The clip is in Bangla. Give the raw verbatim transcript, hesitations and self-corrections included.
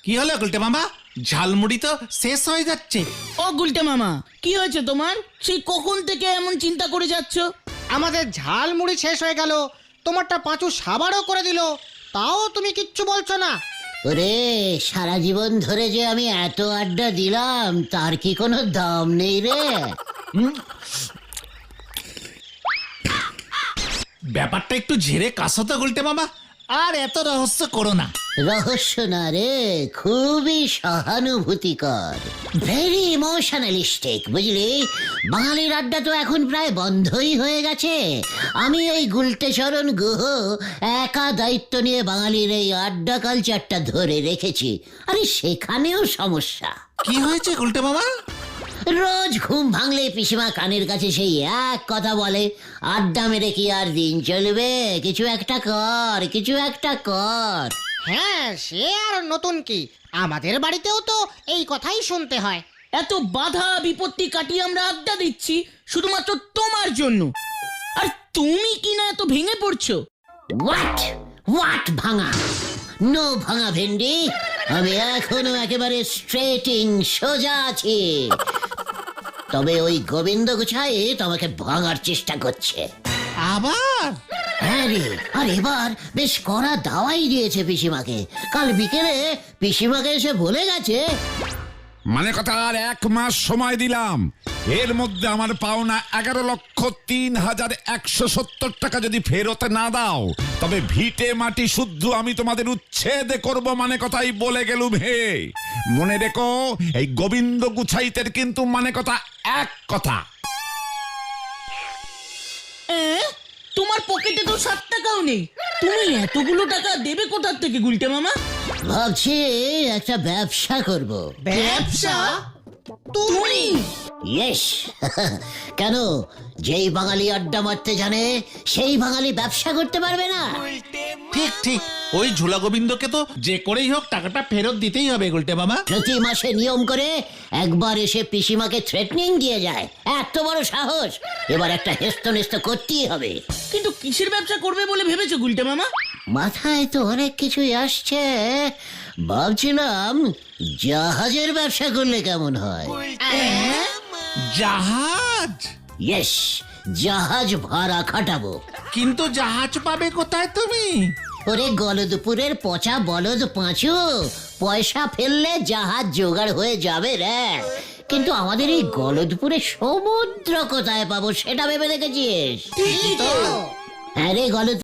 কি হলো গুলটে মামা? ঝালমুড়ি তো শেষ হয়ে যাচ্ছে। ও গুলটে মামা, কি হয়েছে তোমার? সেই কখন থেকে এমন চিন্তা করে যাচ্ছ? আমাদের ঝাল মুড়ি শেষ হয়ে গেল, তোমারটা পাঁচু সাবারও করে দিল, তাও তুমি কিচ্ছু বলছো না। ওরে, সারা জীবন ধরে যে আমি এত আড্ডা দিলাম তার কি কোনো দাম নেই রে? ব্যাপারটা একটু ঝেড়ে কাশো তো গুলটে মামা, আর এত রহস্য করো না। রহস্য না রে, খুবই সহানুভূতিকর, ভেরি ইমোশনালিস্টিক, বুঝলি? বাঙালির আড্ডা তো এখন প্রায় বন্ধই হয়ে গেছে। আমি ওই গুলটেচরণ গুহ একা দায়িত্ব নিয়ে বাঙালির এই আড্ডা কালচারটা ধরে রেখেছি। আরে সেখানেও সমস্যা। কি হয়েছে গুলটে মামা? রোজ ঘুম ভাঙলে পিসিমা কানের কাছে সেই এক কথা বলে, আড্ডা মেরে কি আর দিন চলবে? কিছু একটা কর, কিছু একটা কর। হ্যাঁ, সে আর নতুন কি, আমাদের বাড়িতেও তো এই কথাই শুনতে হয়। এত বাধা বিপত্তি কাটিয়ে আমরা আড্ডা দিচ্ছি শুধুমাত্র তোমার জন্য, আর তুমি কি না এত ভেঙে পড়ছো? হোয়াট হোয়াট ভাঙা? নো ভাঙা ভেন্ডি, আমি এখনো একেবারে স্ট্রেটিং, সোজা আছি। তবে ওই গোবিন্দ গুছাই তোমাকে ভাঙার চেষ্টা করছে আবার? হ্যাঁ রে, আর এবার বেশ কড়া দাওয়াই দিয়েছে পিসিমাকে। কাল বিকেলে পিসিমাকে এসে বলে গেছে, মানে কথা আর এক মাস সময় দিলাম, এর মধ্যে আমার পাওনা এগারো লক্ষ তিন হাজার একশো সত্তর টাকা যদি ফেরত না দাও তবে ভিটে মাটি শুদ্ধ আমি তোমাদের উচ্ছেদ করব। মানে কথাই বলে গেলুম হে। মনে রেখো, এই গোবিন্দ গুছাইতের কিন্তু মানে কথা এক কথা। এ? তোমার পকেটে তো ষাট টাকাও নেই, তুমি এতগুলো টাকা দেবে কোথার থেকে গুলটে মামা? ভাবছি একটা ব্যবসা করব। ব্যবসা? তুমি? ইয়েস। কেন, যেই বাঙালি আড্ডা মারতে জানে সেই বাঙালি ব্যবসা করতে পারবে না? ঠিক ঠিক, ওই ঝোলা গোবিন্দকে তো যে করেই হোক টাকাটা ফেরত দিতেই হবে গুলটে মামা। প্রতি মাসে নিয়ম করে একবার এসে পিসিমাকে থ্রেটনিং দিয়ে যায়। এত বড় সাহস, এবার একটা হেস্ত নেস্ত করতেই হবে। কিন্তু কিসের ব্যবসা করবে বলে ভেবেছো গুলটে মামা? মাথায় তো অনেক কিছুই আসছে। ভাবছিলাম জাহাজের ব্যবসা করলে কেমন হয়। জাহাজ? ইয়েস, জাহাজ ভাড়া খাটাবো। কিন্তু জাহাজ পাবে কোথায় তুমি? ওরে গলদপুরের পচা বলদ পাঁচু, পয়সা ফেললে জাহাজ জোগাড় হয়ে যাবে রে। কিন্তু আমাদের এই গলদপুরে সমুদ্র কোথায় পাবো সেটা ভেবে দেখেছিস? হ্যাঁ রে, গলদ